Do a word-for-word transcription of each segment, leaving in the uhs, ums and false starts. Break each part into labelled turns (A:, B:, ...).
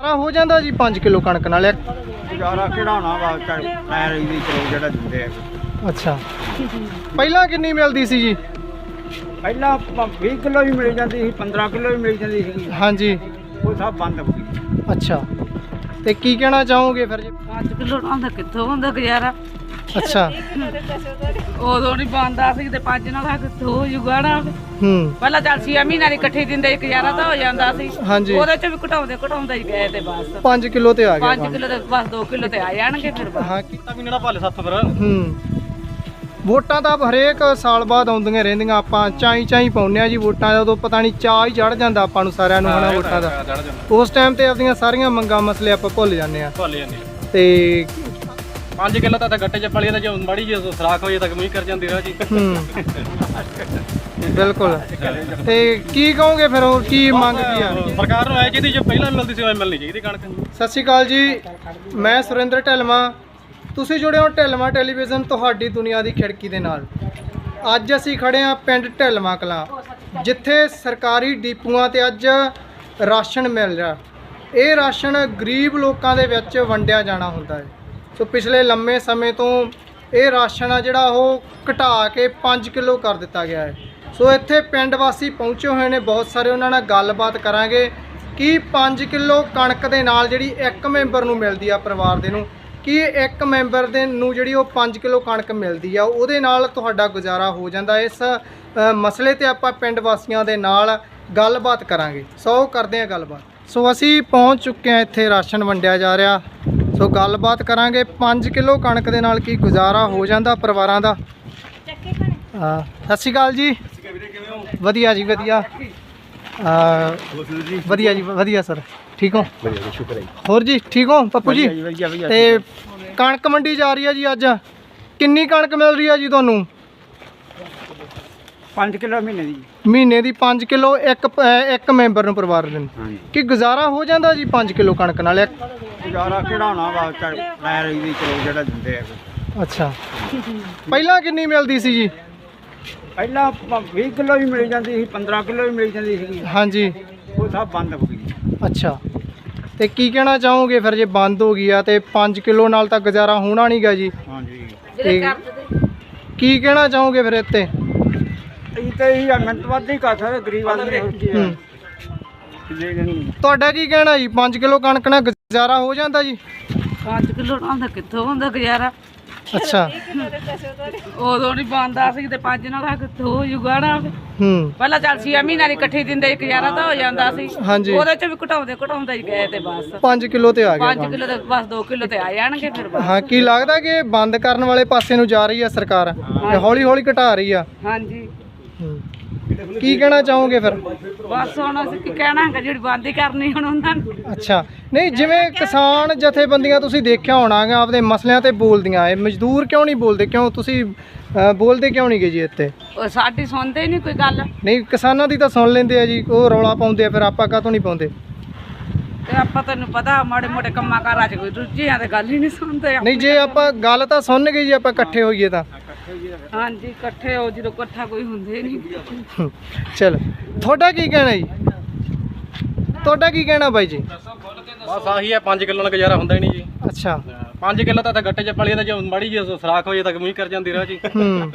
A: ਹੋ ਜਾਂਦਾ ਜੀ ਪੰਜ ਕਿਲੋ ਕਣਕ ਨਾਲ
B: ਗੁਜ਼ਾਰਾ ਕਿਹੜਾ ਵਾ ਟਾਇਰ ਇਹਦੀ ਚਲੋ ਜਿਹੜਾ ਦਿੰਦੇ ਆ।
A: ਅੱਛਾ, ਪਹਿਲਾਂ ਕਿੰਨੀ ਮਿਲਦੀ ਸੀ ਜੀ?
B: ਪਹਿਲਾਂ ਵੀਹ ਕਿਲੋ ਵੀ ਮਿਲ ਜਾਂਦੀ ਸੀ, ਪੰਦਰਾਂ ਕਿਲੋ ਵੀ ਮਿਲ ਜਾਂਦੀ ਸੀ।
A: ਹਾਂਜੀ,
B: ਉਹ ਸਭ ਬੰਦ ਹੋ ਗਈ।
A: ਅੱਛਾ, ਤੇ ਕੀ ਕਹਿਣਾ ਚਾਹੋਗੇ ਫਿਰ ਜੀ?
C: ਪੰਜ ਕਿਲੋ ਨਾਲ ਕਿੱਥੋਂ ਹੁੰਦਾ ਗੁਜ਼ਾਰਾ?
A: ਅੱਛਾ,
C: ਉਦੋਂ ਨਹੀਂ ਬਣਦਾ ਸੀ ਤੇ ਪੰਜ ਨਾਲ ਕਿੱਥੋਂ ਹੋ ਜੂਗਾ ਨਾ।
A: ਹੂੰ,
C: ਪਹਿਲਾਂ ਚੱਲ ਛੇ ਮਹੀਨਿਆਂ ਦੀ ਇਕੱਠੀ ਦਿੰਦੇ ਗੁਜ਼ਾਰਾ ਤਾਂ ਹੋ ਜਾਂਦਾ ਸੀ।
A: ਹਾਂਜੀ,
C: ਉਹਦੇ ਚ ਵੀ ਘਟਾਉਂਦੇ ਘਟਾਉਂਦੇ ਹੀ ਗਏ ਤੇ ਬਸ
A: ਪੰਜ ਕਿਲੋ ਤੇ ਆ ਗਿਆ।
C: ਪੰਜ ਕਿਲੋ ਤੇ ਬਸ ਦੋ ਕਿਲੋ ਤੇ ਆ ਜਾਣਗੇ ਫਿਰ ਬਸ।
A: ਹਾਂ,
B: ਕੀਤਾ ਵੀ ਨਾ ਭਾਲੇ ਸੱਤ ਫਿਰ।
A: ਹੂੰ, ਵੋਟਾਂ ਤਾਂ ਹਰੇਕ ਸਾਲ ਬਾਅਦ ਆਉਂਦੀਆਂ ਰਹਿੰਦੀਆਂ, ਆਪਾਂ ਚਾਈ ਚਾਈ ਪਾਉਂਦੇ ਆ ਜੀ ਵੋਟਾਂ ਦਾ। ਉਦੋਂ ਪਤਾ ਨਹੀਂ ਚਾਹ ਹੀ ਚੜ ਜਾਂਦਾ ਆਪਾਂ ਨੂੰ ਸਾਰਿਆਂ ਨੂੰ ਹਨਾ ਵੋਟਾਂ ਦਾ। ਉਸ ਟਾਈਮ ਤੇ ਆਪਣੀਆਂ ਸਾਰੀਆਂ ਮੰਗਾਂ ਮਸਲੇ ਆਪਾਂ ਭੁੱਲ ਜਾਂਦੇ ਆ।
B: ਭੁੱਲ ਜਾਂਦੇ
A: ਤੇ
B: ਪੰਜ ਕਿਲੋ ਤਾਂ ਗੱਟੇ ਚ ਪਲੀ ਦਾ ਜੇ ਮਾੜੀ ਜੀ ਸਰਾਖ ਹੋਈ ਤਾਂ ਕਮੀ ਕਰ ਜਾਂਦੀ ਰਾਹ ਜੀ।
A: ਹੂੰ, ਬਿਲਕੁਲ। ਤੇ ਕੀ ਕਹੋਗੇ ਫਿਰ, ਹੋਰ ਕੀ ਮੰਗ ਕੀ ਆ?
B: ਸਰਕਾਰ ਨੂੰ ਐ ਜਿਹਦੀ ਜੋ ਪਹਿਲਾਂ ਮਿਲਦੀ ਸੀ ਉਹ ਮਿਲਣੀ ਚਾਹੀਦੀ ਕਣਕ।
A: ਸਤਿ ਸ਼੍ਰੀ ਅਕਾਲ ਜੀ, ਮੈਂ ਸੁਰਿੰਦਰ ਢਿਲਵਾਂ। ਤੁਸੀਂ ਜੁੜੇ ਹੋ ਢਿਲਵਾਂ ਟੈਲੀਵਿਜ਼ਨ, ਤੁਹਾਡੀ ਦੁਨੀਆ ਦੀ ਖਿੜਕੀ ਦੇ ਨਾਲ। ਅੱਜ ਅਸੀਂ ਖੜੇ ਹਾਂ ਪਿੰਡ ਢਿਲਵਾਂ ਕਲਾਂ, ਜਿੱਥੇ ਸਰਕਾਰੀ ਡੀਪੂਆਂ ਤੇ ਅੱਜ ਰਾਸ਼ਨ ਮਿਲ ਰਿਹਾ। ਇਹ ਰਾਸ਼ਨ ਗਰੀਬ ਲੋਕਾਂ ਦੇ ਵਿੱਚ ਵੰਡਿਆ ਜਾਣਾ ਹੁੰਦਾ ਹੈ। ਸੋ ਪਿਛਲੇ ਲੰਮੇ ਸਮੇਂ ਤੋਂ ਇਹ ਰਾਸ਼ਨ ਆ ਜਿਹੜਾ ਉਹ ਘਟਾ ਕੇ ਪੰਜ ਕਿਲੋ ਕਰ ਦਿੱਤਾ ਗਿਆ ਹੈ। ਸੋ ਇੱਥੇ ਪਿੰਡ ਵਾਸੀ ਪਹੁੰਚੇ ਹੋਏ ਨੇ ਬਹੁਤ ਸਾਰੇ, ਉਹਨਾਂ ਨਾਲ ਗੱਲਬਾਤ ਕਰਾਂਗੇ ਕਿ ਪੰਜ ਕਿਲੋ ਕਣਕ ਦੇ ਨਾਲ ਜਿਹੜੀ ਇੱਕ ਮੈਂਬਰ ਨੂੰ ਮਿਲਦੀ ਆ ਪਰਿਵਾਰ ਦੇ ਨੂੰ, ਕਿ ਇੱਕ ਮੈਂਬਰ ਦੇ ਨੂੰ ਜਿਹੜੀ ਉਹ ਪੰਜ ਕਿਲੋ ਕਣਕ ਮਿਲਦੀ ਆ, ਉਹਦੇ ਨਾਲ ਤੁਹਾਡਾ ਗੁਜ਼ਾਰਾ ਹੋ ਜਾਂਦਾ। ਇਸ ਮਸਲੇ ਤੇ ਆਪਾਂ ਪਿੰਡ ਵਾਸੀਆਂ ਦੇ ਨਾਲ ਗੱਲਬਾਤ ਕਰਾਂਗੇ। ਸੋ ਕਰਦੇ ਹਾਂ ਗੱਲਬਾਤ। ਸੋ ਅਸੀਂ ਪਹੁੰਚ ਚੁੱਕੇ ਹਾਂ, ਇੱਥੇ ਰਾਸ਼ਨ ਵੰਡਿਆ ਜਾ ਰਿਹਾ। ਸੋ ਗੱਲਬਾਤ ਕਰਾਂਗੇ, ਪੰਜ ਕਿਲੋ ਕਣਕ ਦੇ ਨਾਲ ਕੀ ਗੁਜ਼ਾਰਾ ਹੋ ਜਾਂਦਾ ਪਰਿਵਾਰਾਂ ਦਾ। ਹਾਂ, ਸਤਿ ਸ਼੍ਰੀ ਅਕਾਲ ਜੀ। ਵਧੀਆ ਜੀ, ਵਧੀਆ। ਵਧੀਆ ਜੀ, ਵਧੀਆ ਸਰ। ਠੀਕ ਹੋ? ਹੋਰ ਜੀ ਠੀਕ ਹੋ ਪੱਪੂ ਜੀ? ਤੇ ਕਣਕ ਮੰਡੀ ਜਾ ਰਹੀ ਹੈ ਜੀ ਅੱਜ, ਕਿੰਨੀ ਕਣਕ ਮਿਲ ਰਹੀ ਹੈ ਜੀ ਤੁਹਾਨੂੰ?
B: ਪੰਜ ਕਿਲੋ ਮਹੀਨੇ ਦੀ।
A: ਮਹੀਨੇ ਦੀ ਪੰਜ ਕਿਲੋ ਇੱਕ ਇੱਕ ਮੈਂਬਰ ਨੂੰ ਪਰਿਵਾਰ ਦੇ ਨੂੰ ਕੀ ਗੁਜ਼ਾਰਾ ਹੋ ਜਾਂਦਾ ਜੀ ਪੰਜ ਕਿਲੋ ਕਣਕ ਨਾਲ?
B: ਗੁਜ਼ਾਰਾ ਕਿਹੜਾ ਵਾ ਟਾਇਰ ਇਹਦੀ ਚਲੋ ਜਿਹੜਾ ਦਿੰਦੇ ਆ।
A: ਅੱਛਾ, ਪਹਿਲਾਂ ਕਿੰਨੀ ਮਿਲਦੀ ਸੀ ਜੀ?
B: ਪਹਿਲਾਂ ਵੀਹ ਕਿਲੋ ਵੀ ਮਿਲ ਜਾਂਦੀ ਸੀ, ਪੰਦਰਾਂ ਕਿਲੋ ਵੀ ਮਿਲ ਜਾਂਦੀ ਸੀ।
A: ਹਾਂਜੀ,
B: ਉਹ ਸਭ ਬੰਦ ਹੋ ਗਈ।
A: ਅੱਛਾ, ਤੇ ਕੀ ਕਹਿਣਾ ਚਾਹੋਗੇ ਫਿਰ ਜੇ ਬੰਦ ਹੋ ਗਈ ਆ ਤੇ ਪੰਜ ਕਿਲੋ ਨਾਲ ਤਾਂ ਗੁਜ਼ਾਰਾ ਹੋਣਾ ਨਹੀਂਗਾ ਜੀ?
B: ਹਾਂਜੀ,
A: ਤੇ ਕੀ ਕਹਿਣਾ ਚਾਹੋਗੇ ਫਿਰ ਇੱਥੇ?
B: ਇਹ ਤਾਂ ਇਹ ਮਿਹਨਤ ਵੱਧ ਹੀ ਕਰ ਸਕਦੇ ਗਰੀਬ ਆਦਮੀ।
A: ਤੁਹਾਡਾ ਕੀ ਕਹਿਣਾ ਜੀ, ਪੰਜ ਕਿਲੋ ਕਣਕ ਨਾਲ ਗੁਜ਼ਾਰਾ ਹੋ ਜਾਂਦਾ ਜੀ?
C: ਪੰਜ ਕਿਲੋ ਨਾਲ ਕਿੱਥੋਂ ਹੁੰਦਾ ਗੁਜ਼ਾਰਾ?
A: ਅੱਛਾ,
C: ਉਦੋਂ ਨਹੀਂ ਬਣਦਾ ਸੀ ਤੇ ਪੰਜ ਨਾਲ ਕਿੱਥੋਂ ਹੋ ਜੂਗਾ ਨਾ।
A: ਹੂੰ,
C: ਪਹਿਲਾਂ ਚੱਲ ਛੇ ਮਹੀਨਿਆਂ ਦੀ ਇਕੱਠੀ ਦਿੰਦੇ ਗੁਜ਼ਾਰਾ ਤਾਂ ਹੋ ਜਾਂਦਾ ਸੀ।
A: ਹਾਂਜੀ,
C: ਉਹਦੇ ਚ ਵੀ ਘਟਾਉਂਦੇ ਘਟਾਉਂਦੇ ਹੀ ਗਏ ਤੇ ਬਸ
A: ਪੰਜ ਕਿਲੋ ਤੇ ਆ ਗਿਆ।
C: ਪੰਜ ਕਿਲੋ ਤੇ ਬਸ ਦੋ ਕਿਲੋ ਤੇ ਆ ਜਾਣਗੇ ਫਿਰ ਬਸ।
A: ਹਾਂ, ਕੀ ਲੱਗਦਾ ਕਿ ਬੰਦ ਕਰਨ ਵਾਲੇ ਪਾਸੇ ਨੂੰ ਜਾ ਰਹੀ ਆ ਸਰਕਾਰ, ਹੌਲੀ ਹੌਲੀ ਘਟਾ ਰਹੀ ਆ?
C: ਹਾਂਜੀ,
A: ਕੀ ਕਹਿਣਾ ਚਾਹੋਗੇ ਫਿਰ?
C: ਬਸ ਹੁਣ ਅਸੀਂ ਕੀ ਕਹਿਣਾ ਹੈ, ਜਿਹੜੀ ਬੰਦ ਹੀ ਕਰਨੀ ਹੁਣ ਉਹਨਾਂ ਨੂੰ।
A: ਅੱਛਾ, ਨਹੀਂ ਜਿਵੇਂ ਕਿਸਾਨ ਜਥੇਬੰਦੀਆਂ ਤੁਸੀਂ ਦੇਖਿਆ ਹੋਣਾ ਗਾ ਆਪਦੇ ਮਸਲਿਆਂ ਤੇ ਬੋਲਦੀਆਂ, ਇਹ ਮਜ਼ਦੂਰ ਕਿਉਂ ਨਹੀਂ ਬੋਲਦੇ? ਕਿਉਂ ਤੁਸੀਂ ਬੋਲਦੇ ਕਿਉਂ ਨਹੀਂ ਗਏ ਜੀ ਇੱਥੇ?
C: ਉਹ ਸਾਡੀ ਸੁਣਦੇ ਹੀ ਨਹੀਂ ਕੋਈ ਗੱਲ।
A: ਨਹੀਂ, ਕਿਸਾਨਾਂ ਦੀ ਤਾਂ ਸੁਣ ਲੈਂਦੇ ਆ ਜੀ, ਉਹ ਰੌਲਾ ਪਾਉਂਦੇ ਆ, ਫਿਰ ਆਪਾਂ ਕਾਹਤੋਂ ਨਹੀਂ ਪਾਉਂਦੇ?
C: ਤੇ ਆਪਾਂ ਤੈਨੂੰ ਪਤਾ ਮਾੜੇ ਮੋਟੇ ਕੰਮਾਂ ਕਾਰਾਂ 'ਚ ਕੋਈ ਰੁੱਝਿਆ ਤੇ ਗੱਲ ਹੀ ਨਹੀਂ ਸੁਣਦੇ।
A: ਨਹੀਂ, ਜੇ ਆਪਾਂ ਗੱਲ ਤਾਂ ਸੁਣ ਗਏ ਜੀ, ਆਪਾਂ ਇਕੱਠੇ ਹੋਈਏ ਤਾਂ।
C: ਹਾਂਜੀ, ਇਕੱਠੇ ਹੋ ਜਦੋਂ ਇਕੱਠਾ ਕੋਈ ਹੁੰਦੇ ਨਹੀਂ।
A: ਚਲੋ, ਤੁਹਾਡਾ ਕੀ ਕਹਿਣਾ ਜੀ? ਤੁਹਾਡਾ ਕੀ ਕਹਿਣਾ ਬਾਈ ਜੀ?
B: ਬਸ ਆਹੀ ਹੈ, ਪੰਜ ਕਿਲੋ ਨਾਲ ਗੁਜ਼ਾਰਾ ਹੁੰਦਾ ਹੀ ਨਹੀਂ ਜੀ।
A: ਅੱਛਾ,
B: ਪੰਜ ਕਿਲੋ ਤਾਂ ਗੱਟੇ ਚ ਪਲੀ ਦਾ ਜੇ ਮਾੜੀ ਜੀ ਸਰਾਖ ਹੋਈ ਤਾਂ ਕਮੀ ਕਰ ਜਾਂਦੀ ਰਾਹ ਜੀ।
A: ਹੂੰ,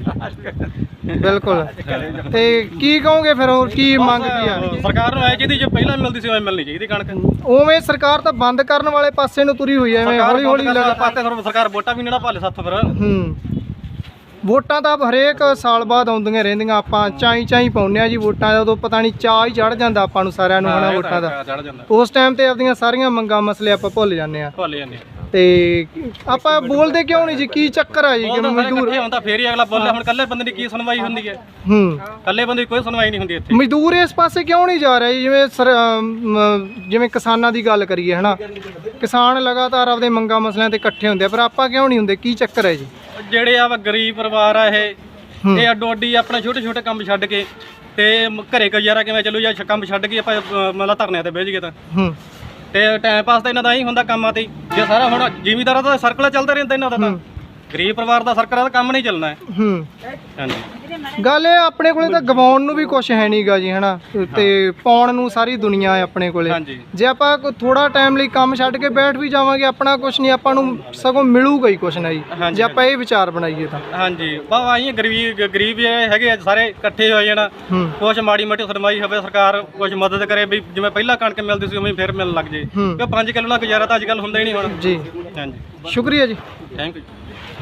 A: ਬਿਲਕੁਲ। ਤੇ ਕੀ ਕਹੋਗੇ ਫਿਰ, ਹੋਰ ਕੀ ਮੰਗ ਕੀ ਆ?
B: ਸਰਕਾਰ ਨੂੰ ਐ ਜਿਹਦੀ ਜੋ ਪਹਿਲਾਂ ਮਿਲਦੀ ਸੀ ਉਹ ਮਿਲਣੀ ਚਾਹੀਦੀ ਕਣਕ।
A: ਉਵੇਂ ਸਰਕਾਰ ਤਾਂ ਬੰਦ ਕਰਨ ਵਾਲੇ ਪਾਸੇ ਨੂੰ ਤੁਰੀ ਹੋਈ ਐ, ਐਵੇਂ ਹੌਲੀ ਹੌਲੀ
B: ਲਗਾਤਾਰ ਸਰਕਾਰ ਵੋਟਾਂ ਵੀ ਨਾ ਭਾਲੇ ਸੱਤ ਫਿਰ।
A: ਹੂੰ, ਵੋਟਾਂ ਤਾਂ ਹਰੇਕ ਸਾਲ ਬਾਅਦ ਆਉਂਦੀਆਂ ਰਹਿੰਦੀਆਂ, ਆਪਾਂ ਚਾਈ ਚਾਈ ਪਾਉਂਦੇ ਆ ਜੀ ਵੋਟਾਂ ਦਾ। ਉਦੋਂ ਪਤਾ ਨਹੀਂ ਚਾਹ ਹੀ ਚੜ ਜਾਂਦਾ ਆਪਾਂ ਨੂੰ ਸਾਰਿਆਂ ਨੂੰ ਹਨਾ ਵੋਟਾਂ ਦਾ। ਉਸ ਟਾਈਮ ਤੇ ਆਪਣੀਆਂ ਸਾਰੀਆਂ ਮੰਗਾਂ ਮਸਲੇ ਆਪਾਂ ਭੁੱਲ ਜਾਂਦੇ ਆ।
B: ਭੁੱਲ ਜਾਂਦੇ
A: ਤੇ ਆਪਾਂ ਬੋਲਦੇ ਕਿਉਂ ਨਹੀਂ ਜੀ? ਕੀ ਚੱਕਰ ਆ ਜੀ? ਮਜ਼ਦੂਰ
B: ਹੁੰਦਾ ਫੇਰ ਹੀ ਅਗਲਾ ਬੋਲੇ। ਹੁਣ ਕੱਲੇ ਬੰਦੇ ਦੀ ਕੀ ਸੁਣਵਾਈ ਹੁੰਦੀ ਹੈ?
A: ਹੂੰ,
B: ਕੱਲੇ ਬੰਦੇ ਦੀ ਕੋਈ ਸੁਣਵਾਈ ਨਹੀਂ ਹੁੰਦੀ ਇੱਥੇ।
A: ਮਜ਼ਦੂਰ ਇਸ ਪਾਸੇ ਕਿਉਂ ਨਹੀਂ ਜਾ ਰਿਹਾ ਜੀ? ਜਿਵੇਂ ਸਰ ਜਿਵੇਂ ਕਿਸਾਨਾਂ ਦੀ ਗੱਲ ਕਰੀਏ ਹਨਾ, ਕਿਸਾਨ ਲਗਾਤਾਰ ਆਪਦੇ ਮੰਗਾਂ ਮਸਲਿਆਂ ਤੇ ਇਕੱਠੇ ਹੁੰਦੇ ਆ, ਪਰ ਆਪਾਂ ਕਿਉਂ ਨਹੀਂ ਹੁੰਦੇ? ਕੀ ਚੱਕਰ ਹੈ ਜੀ?
B: ਜਿਹੜੇ ਆ ਗਰੀਬ ਪਰਿਵਾਰ ਆ ਇਹ ਇਹ ਅੱਡੋ ਅੱਡੀ ਆਪਣੇ ਛੋਟੇ ਛੋਟੇ ਕੰਮ ਛੱਡ ਕੇ ਤੇ ਘਰੇ ਗੁਜ਼ਾਰਾ ਕਿਵੇਂ ਚੱਲੂ? ਜਾਂ ਕੰਮ ਛੱਡ ਕੇ ਆਪਾਂ ਮਤਲਬ ਧਰਨਿਆਂ ਤੇ ਬਹਿ ਜਾਈਏ ਤਾਂ
A: ਹੂੰ,
B: ਤੇ ਟਾਈਮ ਪਾਸ ਤਾਂ ਇਹਨਾਂ ਦਾ ਹੀ ਹੁੰਦਾ ਕੰਮਾਂ ਤੇ। ਜੇ ਸਾਰਾ ਹੁਣ ਜ਼ਿਮੀਂਦਾਰਾਂ ਦਾ ਸਰਕਲ ਚੱਲਦਾ ਰਹਿੰਦਾ ਇਹਨਾਂ ਦਾ ਤਾਂ ਗਰੀਬ ਪਰਿਵਾਰ ਦਾ ਸਰਕਾਰਾਂ ਦਾ ਕੰਮ ਨਹੀਂ ਚੱਲਣਾ ਹੈ।
A: ਹੂੰ
B: ਹਾਂਜੀ
A: ਗੱਲ ਇਹ ਆਪਣੇ ਕੋਲੇ ਤਾਂ ਗਵਾਉਣ ਨੂੰ ਵੀ ਕੁਝ ਹੈ ਨਹੀਂਗਾ ਜੀ ਹਨਾ ਤੇ ਪਾਉਣ ਨੂੰ ਸਾਰੀ ਦੁਨੀਆ ਹੈ ਆਪਣੇ ਕੋਲੇ।
B: ਹਾਂਜੀ
A: ਜੇ ਆਪਾਂ ਥੋੜਾ ਟਾਈਮ ਲਈ ਕੰਮ ਛੱਡ ਕੇ ਬੈਠ ਵੀ ਜਾਵਾਂਗੇ ਆਪਣਾ ਕੁਝ ਨਹੀਂ ਆਪਾਂ ਨੂੰ ਸਗੋਂ ਮਿਲੂਗਾ ਹੀ ਕੁਝ ਨਾ ਜੀ
B: ਹਾਂਜੀ,
A: ਜੇ ਆਪਾਂ ਇਹ ਵਿਚਾਰ ਬਣਾਈਏ ਤਾਂ।
B: ਹਾਂਜੀ ਬਾ ਆਈ ਗਰੀਬ ਗਰੀਬ ਇਹ ਹੈਗੇ ਆ ਸਾਰੇ ਇਕੱਠੇ ਹੋ ਜਾਣ
A: ਹੂੰ
B: ਕੁਛ ਮਾੜੀ ਮੋਟੀ ਸਰਮਾਈ ਹੋਵੇ ਸਰਕਾਰ ਕੁਛ ਮਦਦ ਕਰੇ ਵੀ ਜਿਵੇਂ ਪਹਿਲਾਂ ਕਣਕ ਮਿਲਦੀ ਸੀ ਉਵੇਂ ਫਿਰ ਮਿਲਣ ਲੱਗ ਜੇ
A: ਹੂੰ
B: ਕਿ ਪੰਜ ਕਿਲੋ ਨਾਲ ਗੁਜ਼ਾਰਾ ਤਾਂ ਅੱਜ ਕੱਲ੍ਹ ਹੁੰਦਾ ਹੀ ਨਹੀਂ ਹੁਣ।
A: ਜੀ
B: ਹਾਂਜੀ
A: ਸ਼ੁਕਰੀਆ ਜੀ।
B: Thank you.